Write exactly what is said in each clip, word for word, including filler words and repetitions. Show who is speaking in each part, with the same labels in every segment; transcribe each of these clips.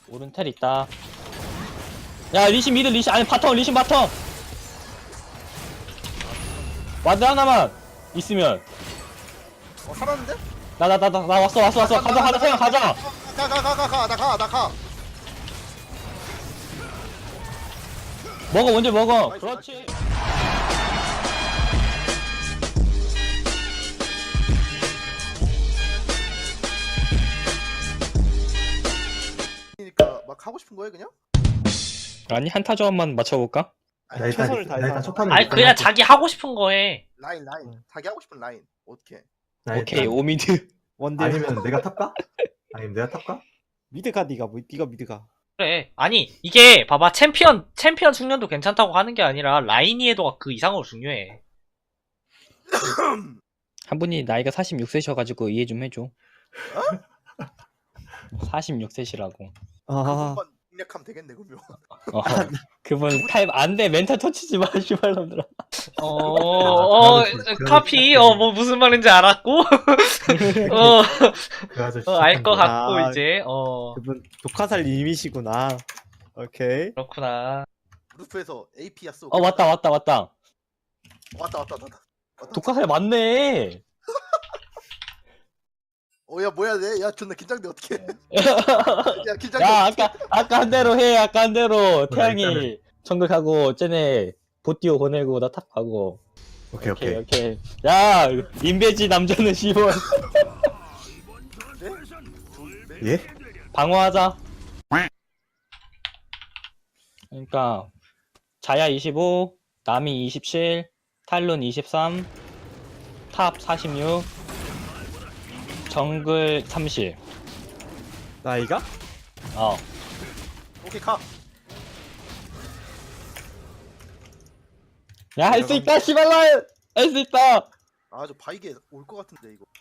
Speaker 1: 오른 텔 있다. 야 리신 미드 리신 아니 바텀 리신 바텀. 와드 하나만 있으면.
Speaker 2: 어 살았는데?
Speaker 1: 나 나 나 나 왔어 왔어 왔어 가자 가자 세영 가자.
Speaker 2: 가 가 가 가 가 나 가 나 가.
Speaker 1: 먹어 먼저 먹어.
Speaker 2: 나이스,
Speaker 1: 그렇지.
Speaker 2: 그러니까 막 하고 싶은 거예요 그냥?
Speaker 1: 아니 한타 조합만 맞춰볼까?
Speaker 2: 아니,
Speaker 3: 나 일단
Speaker 4: 최선을
Speaker 3: 나
Speaker 4: 다해서
Speaker 3: 일단 첫 판을
Speaker 4: 아니
Speaker 3: 일단
Speaker 4: 그냥
Speaker 3: 할게.
Speaker 4: 자기 하고 싶은 거에
Speaker 2: 라인 라인 자기 하고 싶은 라인 어떻게?
Speaker 3: 나
Speaker 1: 오케이
Speaker 3: 일단-
Speaker 1: 오미드.
Speaker 4: 원딜
Speaker 3: 아니면 내가 탑가? 아니면 내가 탑가?
Speaker 4: 미드가 니가 뭐 니가 미드가 그래. 아니 이게 봐봐, 챔피언 챔피언 숙련도 괜찮다고 하는 게 아니라 라인 이해도가 그 이상으로 중요해.
Speaker 1: 한 분이 나이가 사십육 세셔가지고 이해 좀 해줘. 사십육 세시라고.
Speaker 4: 아
Speaker 2: 한번 공략하면 되겠네 그러면.
Speaker 1: 어, 그분 타입 안돼 멘탈 터치지 마 씨발놈들아.
Speaker 4: 어, 어, 카피, 어, 뭐, 무슨 말인지 알았고, 어,
Speaker 3: 그 아저씨
Speaker 4: 어 알 것 같고,
Speaker 5: 아,
Speaker 4: 이제, 어,
Speaker 5: 그분 독화살님이시구나. 오케이.
Speaker 4: 그렇구나.
Speaker 2: 루프에서 에이피야 쏘.
Speaker 1: 어 왔다 왔다 왔다.
Speaker 2: 왔다 왔다 왔다. 왔다.
Speaker 1: 독화살 맞네.
Speaker 2: 어야 뭐야 내? 야 존나 긴장돼 어떡해. 야 긴장돼.
Speaker 1: 야 아까 아까 한 대로 해 아까 한 대로 태양이
Speaker 3: 일단은-
Speaker 1: 정글 가고 쟤네 보티오 보내고 나 탑 가고.
Speaker 3: 오케이
Speaker 1: 오케이
Speaker 3: 오케이
Speaker 1: 오케이. 야 인베지 남자는 시원.
Speaker 2: 네?
Speaker 3: 예?
Speaker 1: 방어하자. 그러니까 자야 이십오, 나미 이십칠, 탈론 이십삼, 탑 사십육, 정글 삼십.
Speaker 5: 나이가?
Speaker 1: 어.
Speaker 2: 오케이 가.
Speaker 1: 야 할 수 있다 시발라. 할 수 있다.
Speaker 2: 아저 바이게 올 것 같은데 이거.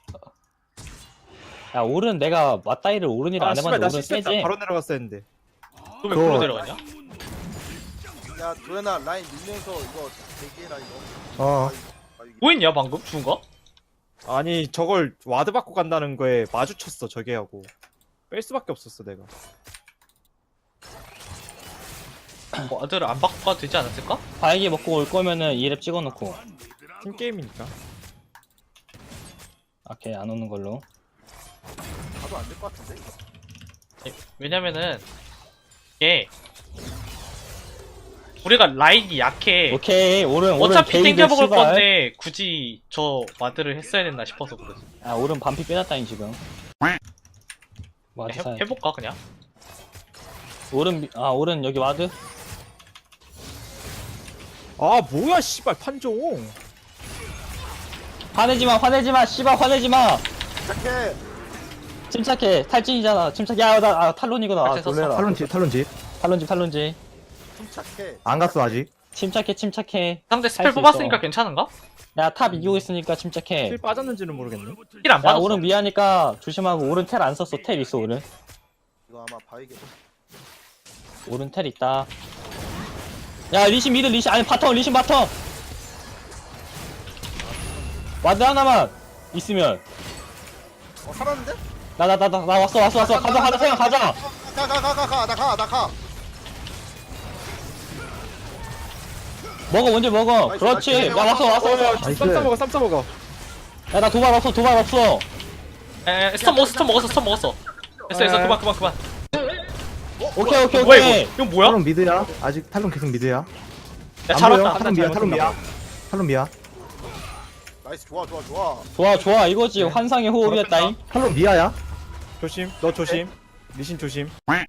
Speaker 1: 야 오른 내가 맞다이를 오른이라
Speaker 5: 아
Speaker 1: 안
Speaker 5: 씨발
Speaker 1: 해봤는데
Speaker 5: 나
Speaker 1: 오른
Speaker 5: 실수했다.
Speaker 1: 세지.
Speaker 5: 바로 내려갔어야 했는데.
Speaker 4: 또 왜
Speaker 3: 그거-
Speaker 4: 풀로 내려갔냐?
Speaker 2: 야 도현아 라인 밀면서 이거 대기해라 이거.
Speaker 3: 어
Speaker 2: 바이게.
Speaker 4: 뭐 했냐, 방금? 죽은 거?
Speaker 5: 아니 저걸 와드 받고 간다는 거에 마주쳤어 저게하고. 뺄 수밖에 없었어 내가.
Speaker 4: 뭐, 아들을 안 바꿔 가도 되지 않았을까?
Speaker 1: 바이기 먹고 올 거면은 이 랩 찍어놓고.
Speaker 5: 팀 게임이니까.
Speaker 1: 오케이 안 오는 걸로.
Speaker 2: 가도 안 될 것 같은데 이거.
Speaker 4: 예, 왜냐면은, 이게, 우리가 라인이 약해.
Speaker 1: 오케이 오른 오른
Speaker 4: 어차피
Speaker 1: 게이드
Speaker 4: 땡겨 먹을
Speaker 1: 씨발.
Speaker 4: 건데, 굳이 저 와드를 했어야 됐나 싶어서 그러지.
Speaker 1: 아 오른 반피 빼놨다니 지금. 와드
Speaker 4: 해,
Speaker 1: 사.
Speaker 4: 해볼까, 그냥?
Speaker 1: 오른 미- 아 오른 여기 와드.
Speaker 5: 아 뭐야 씨발 판종.
Speaker 1: 화내지 마 화내지 마 씨발 화내지 마.
Speaker 2: 착해.
Speaker 1: 침착해 탈진이잖아. 침착. 야나 아, 탈론이구나. 아,
Speaker 4: 탈진 썼어.
Speaker 1: 놀래라.
Speaker 3: 탈론지 탈론지
Speaker 1: 탈론지 탈론지.
Speaker 2: 침착해.
Speaker 3: 안 갔어 아직
Speaker 1: 침착해 침착해.
Speaker 4: 상대
Speaker 1: 할
Speaker 4: 스펠
Speaker 1: 수
Speaker 4: 뽑았으니까
Speaker 1: 있어.
Speaker 4: 괜찮은가?
Speaker 1: 야 탑 이기고 있으니까 침착해.
Speaker 5: 실 빠졌는지는 모르겠네.
Speaker 4: 힐 안
Speaker 1: 야
Speaker 4: 받았어.
Speaker 1: 오른 미하니까 조심하고. 오른 텔 안 썼어. 텔 있어 오른.
Speaker 2: 이거 아마 바이게.
Speaker 1: 오른 텔 있다. 야 리신 미드 리신 아니 바텀 리신 바텀. 와드 하나만 있으면.
Speaker 2: 어 살았는데?
Speaker 1: 나 나 나 나 왔어 왔어 왔어 가자 가자 세영 가자.
Speaker 2: 가 가 가 가 가 나 가 나 가.
Speaker 1: 먹어 먼저 먹어.
Speaker 2: 나이스,
Speaker 1: 그렇지.
Speaker 2: 나이스.
Speaker 1: 야 왔어 왔어 왔어.
Speaker 3: 나이스.
Speaker 5: 쌈 싸먹어 쌈 싸먹어.
Speaker 1: 야 나 도발 없어 도발 없어.
Speaker 4: 에, 스턴 먹었어, 스턴 먹었어, 스턴 먹었어. 됐어, 됐어,
Speaker 5: 에.
Speaker 4: 그만, 그만, 그만.
Speaker 1: 오케이 오케이
Speaker 4: 뭐야,
Speaker 1: 오케이.
Speaker 4: 이거? 이거 뭐야?
Speaker 3: 탈론 미드야 아직 탈론 계속 미드야
Speaker 4: 야,
Speaker 3: 안
Speaker 4: 잘
Speaker 3: 보여?
Speaker 4: 왔다.
Speaker 3: 탈론 미야 탈론 미야 탈론 미야
Speaker 2: 나이스 좋아 좋아 좋아.
Speaker 1: 좋아 좋아 이거지. 환상의 호흡이었다잉.
Speaker 3: 탈론 미야야
Speaker 5: 조심. 너 조심. 리신 조심.
Speaker 2: 야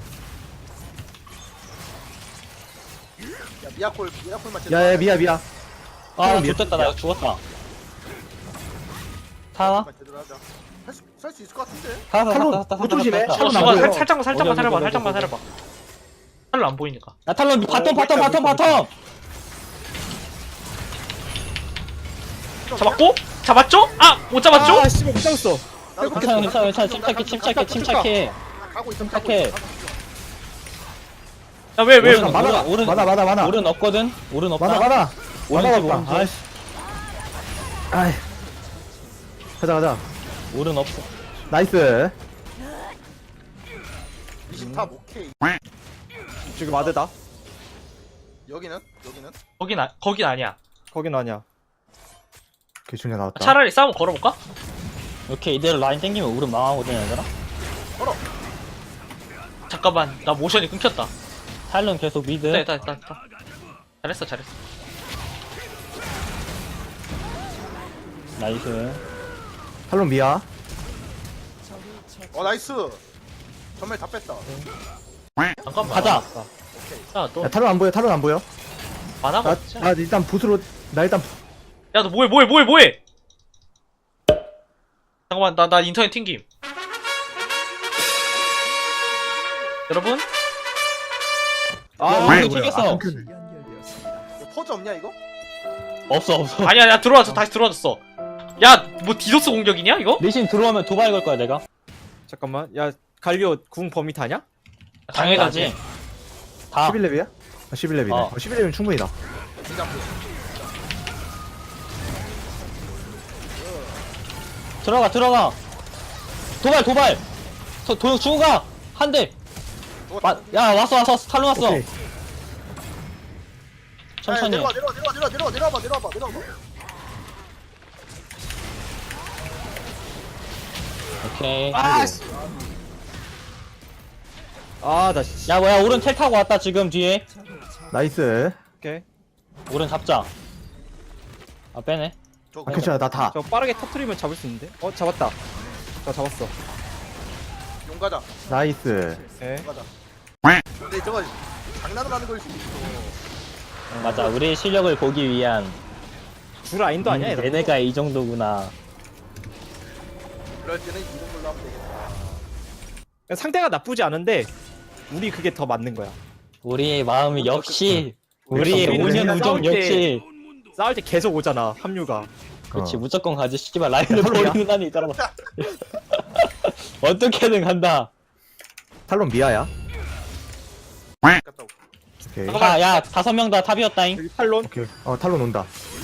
Speaker 2: 미야콜 미야콜만 제대로
Speaker 3: 야야
Speaker 2: 하자.
Speaker 3: 미야 미야
Speaker 1: 아
Speaker 3: 미야.
Speaker 1: 좋됐다 나 죽었다. 타나?
Speaker 2: 미야콜만 제대로 하자. 살 수 있을 것 같은데.
Speaker 1: 타나
Speaker 3: 탈론,
Speaker 1: 타나 타나
Speaker 3: 못 조심해.
Speaker 1: 타나.
Speaker 4: 어,
Speaker 3: 탈론
Speaker 4: 잠깐,
Speaker 3: 안 보여.
Speaker 4: 살, 살짝만, 살짝만
Speaker 1: 어디,
Speaker 4: 살아봐,
Speaker 1: 어디,
Speaker 4: 살짝만
Speaker 1: 어디,
Speaker 4: 살아봐. 살로 안 보이니까.
Speaker 1: 야 탈론 바텀 바텀
Speaker 5: 보인다,
Speaker 1: 바텀
Speaker 5: 보인다,
Speaker 1: 바텀.
Speaker 4: 잡았고? 잡았죠? 아! 못 잡았죠?
Speaker 5: 아 씨발 못 잡았어.
Speaker 2: 나도
Speaker 1: 괜찮아
Speaker 2: 가고
Speaker 1: 괜찮아
Speaker 2: 있어.
Speaker 1: 괜찮아. 침착해 침착해 침착해.
Speaker 2: 가고 있어.
Speaker 1: 침착해.
Speaker 4: 야, 왜, 왜?
Speaker 1: 오른,
Speaker 3: 많아
Speaker 1: 오른,
Speaker 3: 많아 많아 많아
Speaker 1: 오른 없거든. 오른 없다.
Speaker 3: 많아 많아
Speaker 1: 오른지,
Speaker 3: 많아
Speaker 1: 오른지.
Speaker 3: 없다 아이씨 아이 가자 가자
Speaker 1: 오른 없어.
Speaker 3: 나이스
Speaker 2: 리신 탑 오케이.
Speaker 5: 저기 와드다.
Speaker 2: 여기는? 여기는?
Speaker 4: 거긴 아, 거긴 아니야.
Speaker 5: 거긴 아니야.
Speaker 3: 개충이 나왔다.
Speaker 4: 차라리 싸움 걸어볼까?
Speaker 1: 오케이 이대로 라인 땡기면 우른 망하거든 얘들아.
Speaker 4: 잠깐만 나 모션이 끊겼다.
Speaker 1: 탈론 계속 미드.
Speaker 4: 됐다 됐다 됐다. 잘했어 잘했어.
Speaker 1: 나이스.
Speaker 3: 탈론 미야.
Speaker 2: 어 나이스. 전멸 다 뺐다.
Speaker 4: 잠깐만.
Speaker 1: 가자.
Speaker 4: 야너
Speaker 3: 야 탈론 안 보여. 탈론 안 보여.
Speaker 4: 만화가
Speaker 3: 나,
Speaker 4: 없지?
Speaker 3: 나 일단 붓으로 나 일단
Speaker 4: 야 너 뭐해 뭐해 뭐해 뭐해? 잠깐만 나 나 인터넷 튕김. 여러분
Speaker 1: 아,
Speaker 3: 뭐야,
Speaker 1: 이거
Speaker 3: 뭐야.
Speaker 1: 튕겼어.
Speaker 3: 아, 끊겼네.
Speaker 2: 야, 퍼즈 없냐 이거?
Speaker 1: 없어 없어.
Speaker 4: 아니야 야 들어왔어 다시 들어왔어. 야 뭐 디도스 공격이냐 이거?
Speaker 1: 리신 들어오면 도발 걸 거야 내가.
Speaker 5: 잠깐만. 야 갈리오 궁 범위 다냐?
Speaker 4: 당연하지.
Speaker 1: 다.
Speaker 3: 십일 렙이야? 아, 십일 렙이네.
Speaker 1: 어.
Speaker 3: 어. 십일 렙이면 충분이다.
Speaker 2: 진짜
Speaker 1: 들어가 들어가. 도발 도발. 도, 도역 주고 가. 한 대. 마, 야 왔어 왔어 탈론 왔어.
Speaker 3: 오케이.
Speaker 1: 천천히.
Speaker 2: 내려와 내려와 내려와 내려와 내려와 내려와봐 내려와봐 내려와봐.
Speaker 1: 오케이.
Speaker 5: 아나 씨.
Speaker 1: 야 뭐야 오른 텔 타고 왔다 지금 뒤에.
Speaker 3: 나이스.
Speaker 5: 오케이.
Speaker 1: 오른 잡자. 아 빼네.
Speaker 2: 저
Speaker 3: 아, 괜찮아. 나 다.
Speaker 5: 저 빠르게 터트리면 잡을 수 있는데? 어 잡았다. 나 잡았어.
Speaker 2: 용 가자.
Speaker 3: 나이스.
Speaker 5: 오케이.
Speaker 2: 용 가자. 근데 저거 장난을 하는 걸 수도 있어.
Speaker 1: 맞아 우리의 실력을 보기 위한.
Speaker 5: 줄 라인도 아니야 얘들.
Speaker 1: 얘네가 이 정도구나.
Speaker 2: 그럴 때는 이런 걸로 하면 되겠다.
Speaker 5: 상대가 나쁘지 않은데 우리 그게 더 맞는 거야.
Speaker 1: 우리의 마음이 역시
Speaker 3: 우리의
Speaker 1: 우리의
Speaker 3: 우리는
Speaker 1: 오년 우정
Speaker 5: 싸울 때-
Speaker 1: 역시.
Speaker 5: 싸울 때 계속 오잖아 합류가.
Speaker 1: 그렇지
Speaker 3: 어.
Speaker 1: 무조건 가지 씨발 라인을
Speaker 3: 야, 탈론이야?
Speaker 1: 버리는 한이 있잖아. 어떻게든 간다.
Speaker 3: 탈론 미야야.
Speaker 2: 갔다 올게.
Speaker 3: 오케이.
Speaker 1: 다, 야 다섯 명 다 탑이었다잉.
Speaker 5: 여기 탈론.
Speaker 3: 오케이. 어 탈론 온다.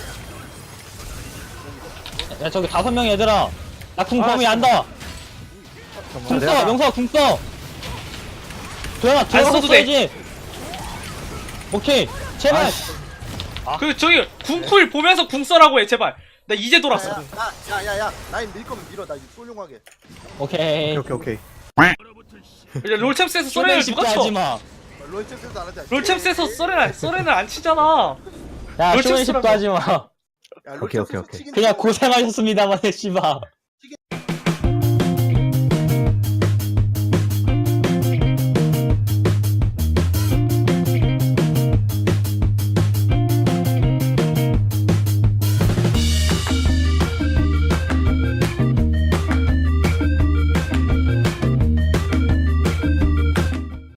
Speaker 1: 야 저기 다섯 명 얘들아. 나 궁
Speaker 5: 아,
Speaker 1: 범위
Speaker 5: 진짜.
Speaker 1: 안다. 궁
Speaker 3: 내가
Speaker 1: 써.
Speaker 3: 다-
Speaker 1: 명서가 궁 써. 도영아 들어가서
Speaker 4: 써도 돼.
Speaker 1: 써야지. 오케이 제발.
Speaker 4: 그 저기 궁쿨 보면서 궁 써라고 해 제발. 나 이제 돌았어.
Speaker 2: 야야야야 라인 밀 거면 밀어. 나 이제 쏠용하게.
Speaker 1: 오케이.
Speaker 3: 오케이 오케이 오케이.
Speaker 4: 이제 롤챔스에서 소렌을
Speaker 1: 쇼맨
Speaker 4: 누가
Speaker 1: 십자 하지
Speaker 4: 쳐?
Speaker 1: 마.
Speaker 2: 롤챔스에서 안 하자.
Speaker 4: 롤챔스에서 소렌을 소렌을 안 치잖아.
Speaker 1: 야
Speaker 4: 롤챔스라고.
Speaker 1: 쇼맨 십자 하지 마.
Speaker 2: 야,
Speaker 3: 오케이, 오케이,
Speaker 2: 롤챔스에서
Speaker 3: 오케이.
Speaker 2: 치긴
Speaker 1: 그냥
Speaker 2: 치고.
Speaker 1: 고생하셨습니다만 씨발.